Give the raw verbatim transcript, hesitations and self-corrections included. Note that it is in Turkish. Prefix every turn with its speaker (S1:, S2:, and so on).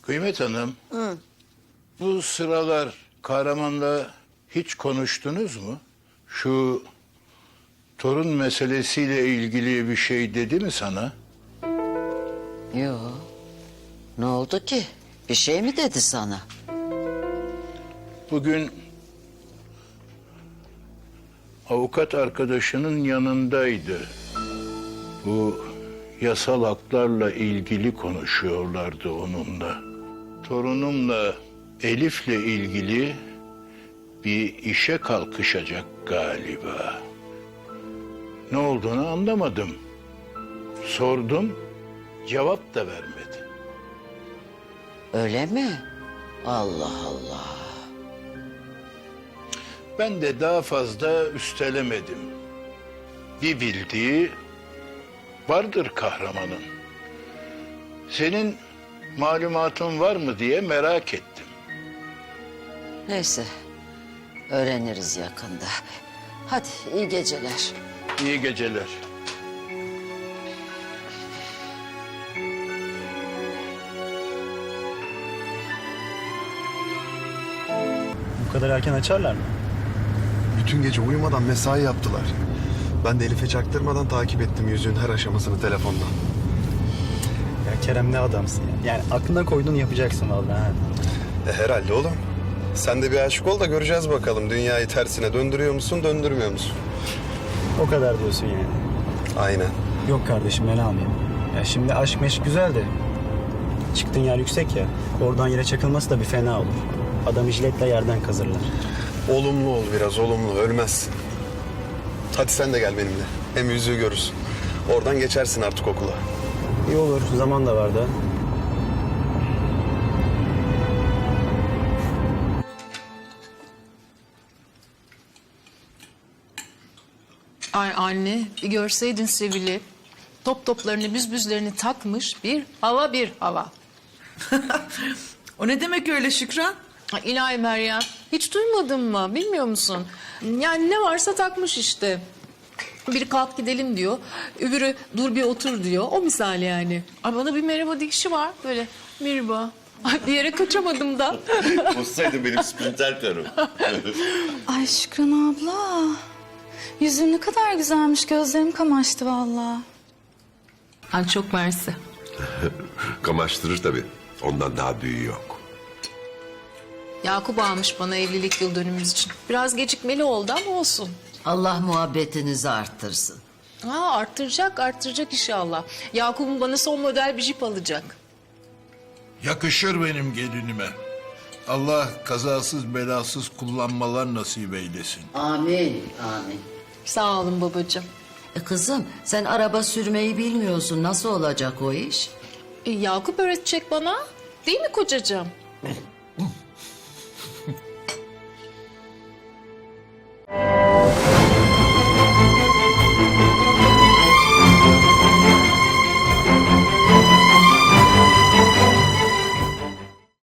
S1: Kıymet Hanım, bu sıralar Kahraman'la hiç konuştunuz mu? Şu torun meselesiyle ilgili bir şey dedi mi sana?
S2: Yo. Ne oldu ki? Bir şey mi dedi sana?
S1: Bugün avukat arkadaşının yanındaydı. Bu yasal haklarla ilgili konuşuyorlardı onunla. Torunumla Elif'le ilgili bir işe kalkışacak galiba. Ne olduğunu anlamadım. Sordum, cevap da vermedi.
S2: Öyle mi? Allah Allah.
S1: Ben de daha fazla üstelemedim. Bir bildiği vardır Kahraman'ın. Senin malumatın var mı diye merak ettim.
S2: Neyse. Öğreniriz yakında. Hadi iyi geceler.
S1: İyi geceler.
S3: Bu kadar erken açarlar mı?
S4: Bütün gece uyumadan mesai yaptılar. Ben de Elif'e çaktırmadan takip ettim yüzüğün her aşamasını telefondan.
S3: Ya Kerem ne adamsın ya. Yani aklına koyduğunu yapacaksın vallahi. Ha.
S4: E herhalde oğlum. Sen de bir aşık ol da göreceğiz bakalım. Dünyayı tersine döndürüyor musun, döndürmüyor musun?
S3: O kadar diyorsun yani.
S4: Aynen.
S3: Yok kardeşim ben almayayım. Ya şimdi aşk meşk güzel de. Çıktığın yer yüksek ya. Oradan yere çakılması da bir fena olur. Adamı jiletle yerden kazırlar.
S4: Olumlu ol biraz, olumlu. Ölmezsin. Hadi sen de gel benimle. Hem yüzüğü görürsün. Oradan geçersin artık okula.
S3: İyi olur. Zaman da var da.
S5: Ay anne, bir görseydin Sevil'i. Top toplarını, büzbüzlerini takmış, bir hava bir hava.
S6: O ne demek öyle Şükran?
S5: Ay ilahi Meryem, hiç duymadın mı, bilmiyor musun? Yani ne varsa takmış işte. Biri kalk gidelim diyor, öbürü dur bir otur diyor. O misal yani. Ay bana bir merhaba dikişi var, böyle merhaba. Ay bir yere kaçamadım da.
S7: Olsaydı benim sprinter karım.
S8: Ay Şükran abla. Yüzün ne kadar güzelmiş. Gözlerim kamaştı vallahi.
S5: Ay çok mersi.
S7: Kamaştırır tabii. Ondan daha büyüğü yok.
S5: Yakup almış bana evlilik yıl dönümümüz için. Biraz gecikmeli oldu ama olsun.
S2: Allah muhabbetinizi arttırsın.
S5: Ha, arttıracak, arttıracak inşallah. Yakup'un bana son model bir jip alacak.
S1: Yakışır benim gelinime. Allah kazasız belasız kullanmalar nasip eylesin.
S2: Amin, amin.
S5: Sağ olun babacığım.
S2: E kızım sen araba sürmeyi bilmiyorsun. Nasıl olacak o iş?
S5: E, Yakup öğretecek bana. Değil mi kocacığım?